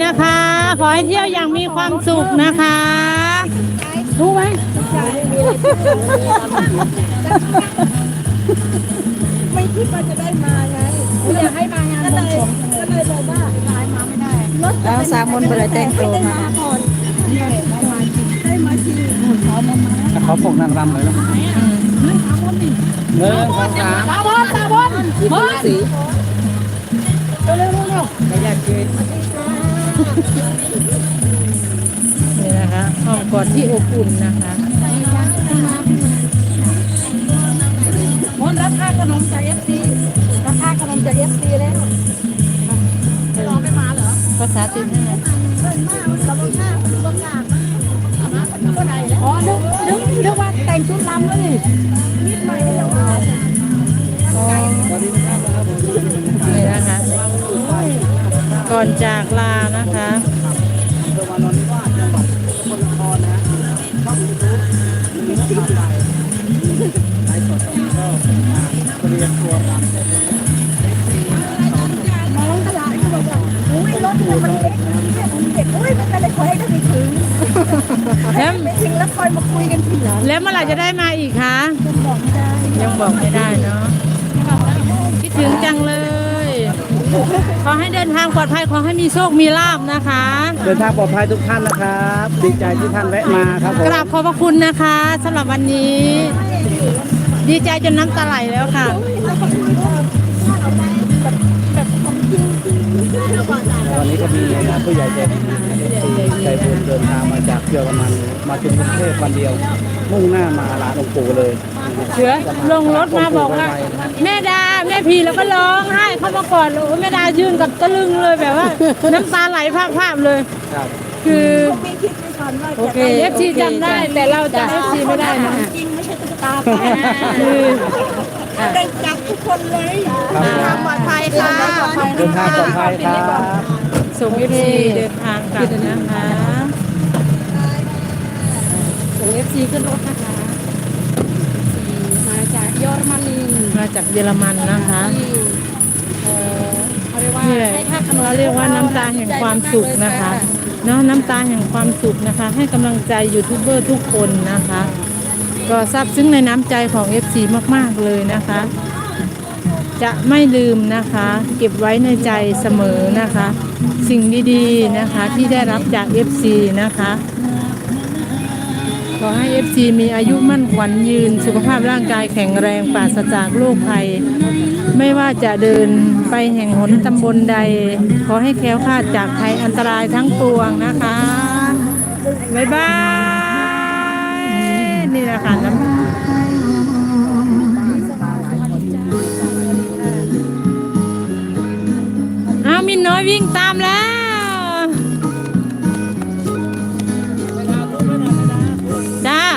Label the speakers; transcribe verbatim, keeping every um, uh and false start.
Speaker 1: นะคะ ขอให้เที่ยวอย่างมีความสุขนะคะรู้ไหม
Speaker 2: ไม่คิดว่าจะได้มาไงอยากให้มางานก็เลยก็เลยบอกว่าย้ายมาไม่ได้แล้วสามคนไปเลยแต่งตัวมาก่อนได้มาจริงเขามามา
Speaker 3: เขาปกนางรำเลยนะหนึ่งสองสาม
Speaker 2: ตาบอลตาบอลบอลสีเร็วเร็วไม่อยากเจอ
Speaker 1: นี่นะคะห้องกอดที่อบอุ่นนะคะ
Speaker 2: มนรับค่าขนมจากเอฟซีรับค่าขนมจากเอฟซีแล้วรอไม่มาเหรอ
Speaker 1: ภาษาติดให้นะ
Speaker 2: อ๋อนึกนึกนึกว่าแต่งชุดลำเลยนิดหน่อยเดียว
Speaker 1: นี่นะคะ ก่อนจากลานะคะ
Speaker 3: จังหวัดนนทบุรีจังหวัดสกลนครนะช่องยูทูบมีน้องทำไปไลฟ์สดก็เรียนตัวรำ
Speaker 2: น้องตลาดเขาบอกว่าอุ้ยรถมันเล็กเด็กอุ้ยมันอะไรคอยให้ได้ไม่ถึง
Speaker 1: แล้ว
Speaker 2: ไม่ถึงแล้วคอยมาคุยกันทีหลัง
Speaker 1: แล้วเมื่อไหร่จะได้มาอีกคะ
Speaker 2: บอกไม่ได้
Speaker 1: ยังบอกไม่ได้เนาะคิดถึงจังเลย ขอให้เดินทางปลอดภัยขอให้มีโชคมีลาภนะคะ
Speaker 3: เดินทางปลอดภัยทุกท่านนะครับดีใจที่ท่านแวะมาครับผม
Speaker 1: กราบขอบพระคุณนะคะสำหรับวันนี้ ดีใจจนน้ำตาไหลแล้วค่ะ
Speaker 3: วันนี้ก็มีผู้ใหญ่ใจดีใจบุญเดินทางมาจากเยอรมันมาถึงกรุงเทพวันเดียว มุ่งหน้ามาลานองค์ปู่เลย
Speaker 1: เสือลงรถมาบอกว่า แม่ดาแม่พีแล้วก็ร้องไห้เข้ามากอดโอ้แม่ดายืนกับตะลึงเลยแบบว่า น้ำตาไหลภาพๆเลย
Speaker 3: ครับ
Speaker 1: คือ
Speaker 2: ไม่คิดไม่ฝันว่า
Speaker 1: โอเคเอฟซีจำได้แต่เราจำเอฟซีไม่ได้นะ
Speaker 2: จริงไม่ใช่ตุ๊กตา
Speaker 1: คือ
Speaker 2: ได้จับทุกคนเลยทางปลอดภัยค่ะ
Speaker 3: เดินทางปลอดภัยครับ
Speaker 1: ส่งเอฟซีเดินทางกลับนะคะ
Speaker 2: ส่งเอฟซีขึ้นรถนะคะมาจากเยอรมนี
Speaker 1: มาจากเยอรมันนะคะ
Speaker 2: เอ่อเขาเรียกว่า
Speaker 1: นี่แหละ
Speaker 2: ให้ค่าขนม
Speaker 1: เราเรียกว่าน้ำตาแห่งความสุขนะคะเนาะน้ำตาแห่งความสุขนะคะ ให้กำลังใจยูทูบเบอร์ทุกคนนะคะ ก็ซาบซึ้งในน้ำใจของ เอฟ ซี มากๆเลยนะคะ จะไม่ลืมนะคะ เก็บไว้ในใจเสมอนะคะ สิ่งดีๆนะคะที่ได้รับจาก เอฟ ซี นะคะขอให้ เอฟ ซี มีอายุมั่นขวัญยืนสุขภาพร่างกายแข็งแรงปราศจากโรคภัย ไม่ว่าจะเดินไปแห่งหนตำบลใด ขอให้แคล้วคลาดจากภัยอันตรายทั้งปวงนะคะ บ๊ายบาย นี่แหละค่ะน้ำอ้าวมินน้อยวิ่งตามแล้ว จ้า